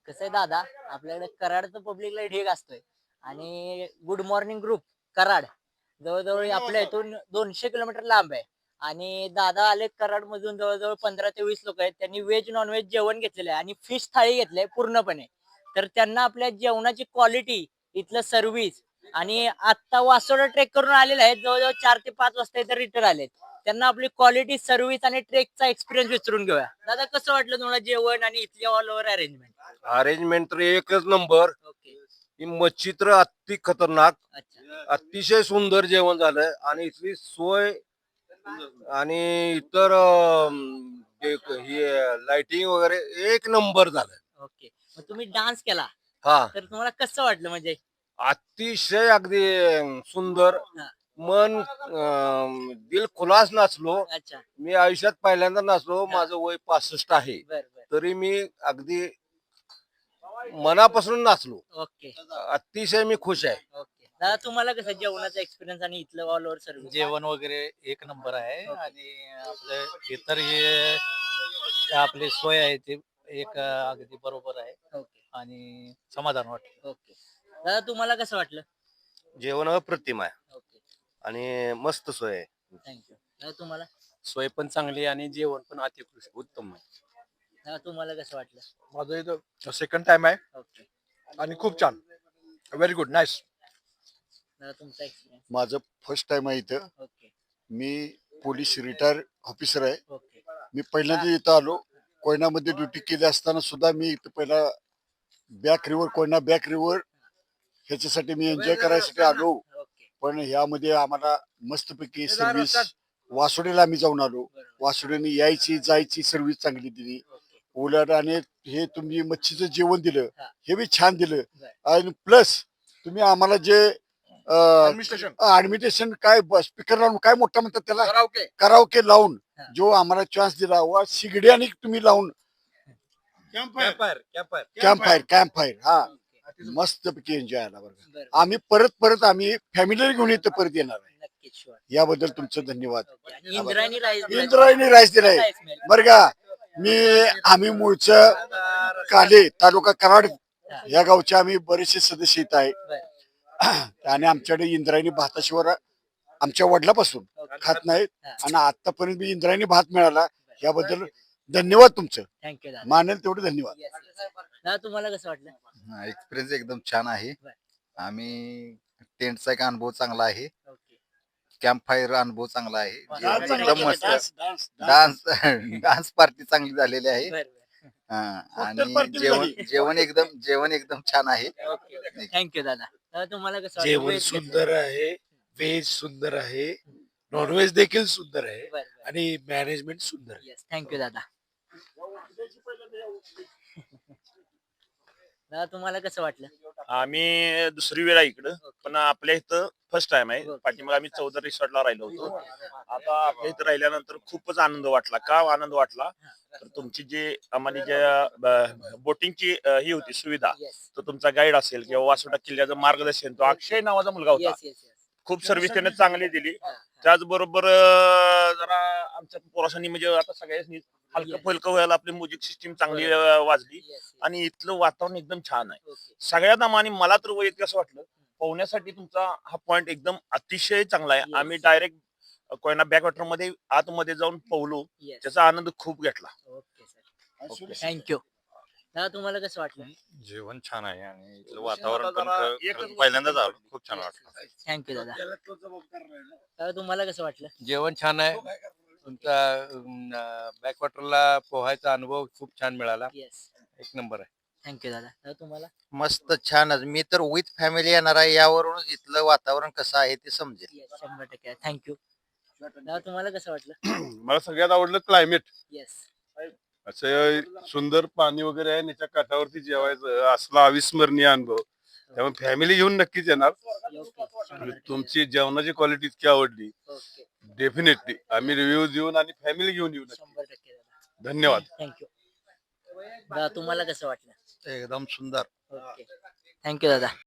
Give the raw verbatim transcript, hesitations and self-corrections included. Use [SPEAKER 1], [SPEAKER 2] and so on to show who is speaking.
[SPEAKER 1] कसं आहे दादा, आपल्याकडे कराडचं पब्लिक लय ढीग असतोय आणि गुड मॉर्निंग ग्रुप कराड जवळजवळ आपल्या इथून दोनशे किलोमीटर लांब आहे. आणि दादा आले कराड मधून जवळजवळ पंधरा ते वीस लोक आहेत. त्यांनी व्हेज नॉन व्हेज जेवण घेतलेलं आहे आणि फिश थाळी घेतलंय पूर्णपणे. तर त्यांना आपल्या जेवणाची क्वालिटी, इथलं सर्व्हिस आणि आता वासोडा ट्रेक करून आलेले आहेत, जवळजवळ चार ते पाच वाजता इथे रिटर्न आलेत. त्यांना आपली क्वालिटी सर्व्हिस आणि ट्रेकचा एक्सपिरियन्स विचारून घेऊया. दादा, कसं वाटलं तुम्हाला जेवण आणि इथली ऑल ओव्हर अरेंजमेंट?
[SPEAKER 2] अरेंजमेंट तर एकच नंबर.
[SPEAKER 1] ओके.
[SPEAKER 2] ही मच्छी तर अति खतरनाक,
[SPEAKER 1] अच्छा.
[SPEAKER 2] अतिशय सुंदर जेवण झालं आणि इथली सोय आणि इतर अं, जे क- हे लाइटिंग वगैरे एक नंबर झालं.
[SPEAKER 1] ओके. मग तुम्ही डान्स केला,
[SPEAKER 2] हा,
[SPEAKER 1] तर तुम्हाला कसं वाटलं म्हणजे?
[SPEAKER 2] अतिशय अगदी अं, सुंदर.
[SPEAKER 1] हा.
[SPEAKER 2] मन अं, दिल खुलास नाचलो.
[SPEAKER 1] अच्छा.
[SPEAKER 2] मी आयुष्यात पहिल्यांदा नाचलो.
[SPEAKER 1] हा.
[SPEAKER 2] माझं वय पासष्ट आहे,
[SPEAKER 1] बर बर.
[SPEAKER 2] तरी मी अगदी मनापासून नाचलो.
[SPEAKER 1] ओके.
[SPEAKER 2] अतिशय मी खुश आहे.
[SPEAKER 1] ओके. दादा, तुम्हाला कसं जेवणाचा एक्सपिरियन्स आणि इथलं ऑल ओव्हर सर्व्हिस?
[SPEAKER 3] जेवण वगैरे एक नंबर आहे.
[SPEAKER 1] ओके.
[SPEAKER 3] आणि आपलं इतर हे आपली सोय आहे ती एक अगदी बरोबर आहे
[SPEAKER 1] ओके.
[SPEAKER 3] आणि समाधान वाटतं.
[SPEAKER 1] ओके. दादा, तुम्हाला कसं वाटलं?
[SPEAKER 2] जेवण अप्रतिम आहे
[SPEAKER 1] ओके.
[SPEAKER 2] आणि मस्त सोय आहे.
[SPEAKER 1] थँक्यू. दादा, तुम्हाला?
[SPEAKER 4] सोय पण चांगली आणि जेवण पण अतिकृष्ट उत्तम आहे.
[SPEAKER 1] दादा, तुम्हाला कसं वाटलं?
[SPEAKER 5] माझं इथं सेकंड टाइम आहे
[SPEAKER 1] ओके.
[SPEAKER 5] आणि खूप छान, व्हेरी गुड, नाईस.
[SPEAKER 1] दादा, तुमचा एक्सपिरियन्स?
[SPEAKER 6] माझं फर्स्ट टाइम आहे इथं.
[SPEAKER 1] ओके.
[SPEAKER 6] मी पोलीस रिटायर ऑफिसर आहे.
[SPEAKER 1] ओके.
[SPEAKER 6] मी पहिल्यांदा इथं आलो. कोयनामध्ये ड्युटी केली असताना सुद्धा मी इथं पहिला back river Koyna back river ह्याच्यासाठी मी एन्जॉय करायसाठी आलो.
[SPEAKER 1] ओके.
[SPEAKER 6] पण ह्यामध्ये आम्हाला मस्तपैकी सर्व्हिस, वासोडेला आम्ही जाऊन आलो.
[SPEAKER 1] बरोबर.
[SPEAKER 6] वासोडेने यायची जायची सर्व्हिस चांगली दिली.
[SPEAKER 1] ओके.
[SPEAKER 6] उलट आणि हे तुम्ही मच्छीचं जेवण दिलं,
[SPEAKER 1] हा.
[SPEAKER 6] हे बी छान दिलं.
[SPEAKER 1] बर.
[SPEAKER 6] आणि प्लस तुम्ही आम्हाला जे
[SPEAKER 5] ऍडमिनिस्ट्रेशन
[SPEAKER 6] ऍडमिटेशन काय स्पीकर लावून काय मोठा म्हणतात त्याला,
[SPEAKER 5] कराओके
[SPEAKER 6] कराओके लावून
[SPEAKER 1] हा.
[SPEAKER 6] जो आम्हाला चान्स दिला वा शिगडी आणि तुम्ही लावून
[SPEAKER 5] camp
[SPEAKER 2] campfire campfire
[SPEAKER 6] camp fire camp fire हा
[SPEAKER 1] ओके.
[SPEAKER 6] मस्त पैकी एन्जॉय आला बरं.
[SPEAKER 1] बरं.
[SPEAKER 6] आम्ही परत परत आम्ही फॅमिली घेऊन इथं परत येणार आहे.
[SPEAKER 1] नक्कीच, शुअर.
[SPEAKER 6] याबद्दल तुमचं धन्यवाद.
[SPEAKER 1] ओके. आणि इंद्रायणी राईस
[SPEAKER 6] इंद्रायणी राईस दिलाय बरं का. मी आम्ही मूळचं काले तालुका कराड या गावचे आम्ही बरेचसे सदस्य इथं आहे. आणि आमच्याकडे इंद्रायणी भाताशिवाय आमच्या वडिलापासून खात नाहीत आणि आतापर्यंत मी इंद्रायणी भात मिळाला, याबद्दल धन्यवाद तुमचं.
[SPEAKER 1] थँक्यू दादा.
[SPEAKER 6] मानेल तेवढे धन्यवाद.
[SPEAKER 1] Yes, yes. दादा, तुम्हाला कसं वाटलं?
[SPEAKER 7] एक्सपिरियन्स एकदम छान आहे.
[SPEAKER 1] बर.
[SPEAKER 7] आम्ही टेंटचा एक अनुभव चांगला आहे.
[SPEAKER 1] ओके.
[SPEAKER 7] कॅम्प फायर अनुभव चांगला आहे.
[SPEAKER 1] वा,
[SPEAKER 7] जेवण
[SPEAKER 1] डान्स
[SPEAKER 7] एकदम
[SPEAKER 1] चांगला
[SPEAKER 7] मस्त.
[SPEAKER 1] केला,
[SPEAKER 7] डान्स डान्स पार्टी चांगली झालेली आहे.
[SPEAKER 1] बरं, बरं.
[SPEAKER 7] हा,
[SPEAKER 6] Cocktail
[SPEAKER 7] आणि
[SPEAKER 6] party
[SPEAKER 7] जेवण
[SPEAKER 6] झाली.
[SPEAKER 7] जेवण एकदम जेवण एकदम छान आहे.
[SPEAKER 1] ओके. थँक्यू दादा. दादा, तुम्हाला कसं वाटलं?
[SPEAKER 5] जेवण
[SPEAKER 1] Veg
[SPEAKER 5] सुंदर आहे, व्हेज सुंदर आहे, नॉनव्हेज देखील सुंदर आहे
[SPEAKER 1] बरं, बरं.
[SPEAKER 5] आणि मॅनेजमेंट सुंदर आहे.
[SPEAKER 1] येस, थँक्यू दादा. दादा, तुम्हाला कसं वाटलं?
[SPEAKER 8] आम्ही दुसरी वेळा इकडं, पण आपल्या इथं फर्स्ट टाइम आहे.
[SPEAKER 1] ओके.
[SPEAKER 8] पाठीमागे आम्ही चौदा रिसॉर्टला राहिलो होतो. आता आपल्या इथं राहिल्यानंतर खूपच आनंद वाटला. का आनंद वाटला तर तुमची जी आम्हाला ज्या बोटिंगची ही होती सुविधा,
[SPEAKER 1] येस.
[SPEAKER 8] तो तुमचा गाईड असेल किंवा वासोटा किल्ल्याचं मार्गदर्शन, तो अक्षय नावाचा मुलगा होता.
[SPEAKER 1] Yes, yes, yes.
[SPEAKER 8] खूप सर्व्हिस त्याने चांगली दिली.
[SPEAKER 1] हा, हा.
[SPEAKER 8] त्याचबरोबर अं, जरा आमच्या पोरासांनी म्हणजे आता सगळ्यांनी हलकं
[SPEAKER 1] Yes.
[SPEAKER 8] फुलकं व्हायला आपली म्युझिक सिस्टीम चांगली अं, वाजली
[SPEAKER 1] Yes, yes.
[SPEAKER 8] आणि इथलं वातावरण एकदम छान आहे.
[SPEAKER 1] ओके.
[SPEAKER 8] सगळ्यात आम्हाला मला तर वैयक्तिक असं वाटलं, पोहण्यासाठी तुमचा हा पॉइंट एकदम अतिशय चांगला आहे.
[SPEAKER 1] Yes.
[SPEAKER 8] आम्ही डायरेक्ट कोयना बॅकवॉटर मध्ये आतमध्ये जाऊन पोहलो,
[SPEAKER 1] Yes.
[SPEAKER 8] त्याचा आनंद खूप घेतला.
[SPEAKER 1] Okay sir. थँक्यू. दादा, तुम्हाला कसं वाटलं?
[SPEAKER 4] जेवण छान आहे आणि इथलं वातावरण
[SPEAKER 8] आता
[SPEAKER 4] पण
[SPEAKER 8] जरा
[SPEAKER 4] खरं-
[SPEAKER 8] एकच
[SPEAKER 4] खरंच
[SPEAKER 8] गोष्ट
[SPEAKER 4] पहिल्यांदाच आलो,
[SPEAKER 8] पडली.
[SPEAKER 4] खूप छान वाटलं.
[SPEAKER 1] थँक्यू दादा. दादा, तुम्हाला कसं वाटलं?
[SPEAKER 3] जेवण छान आहे. तुमचा बॅकवॉटरला पोहायचा अनुभव खूप छान मिळाला.
[SPEAKER 1] येस.
[SPEAKER 3] एक नंबर आहे.
[SPEAKER 1] थँक्यू दादा. दादा, तुम्हाला?
[SPEAKER 7] मस्त छानच. मी तर विथ फॅमिली येणार आहे. यावरूनच इथलं वातावरण कसं आहे ते समजेल.
[SPEAKER 1] येस, शंभर टक्के. थँक्यू. दादा, तुम्हाला कसं वाटलं?
[SPEAKER 2] मला सगळ्यात आवडलं क्लायमेट.
[SPEAKER 1] येस.
[SPEAKER 2] असं सुंदर पाणी वगैरे आहे, त्याच्या काठावरती जेवायचं असला अविस्मरणीय अनुभव. त्यामुळे फॅमिली घेऊन नक्कीच येणार.
[SPEAKER 1] ओके. शंभर टक्के.
[SPEAKER 2] तुमची जेवणाची क्वालिटी इतकी आवडली,
[SPEAKER 1] ओके.
[SPEAKER 2] डेफिनेटली आम्ही रिव्ह्यू देऊन आणि फॅमिली घेऊन येऊ नक्की.
[SPEAKER 1] शंभर टक्के दादा.
[SPEAKER 2] धन्यवाद.
[SPEAKER 1] थँक्यू. दादा, तुम्हाला कसं वाटलं?
[SPEAKER 7] एकदम सुंदर.
[SPEAKER 1] ओके. थँक्यू दादा.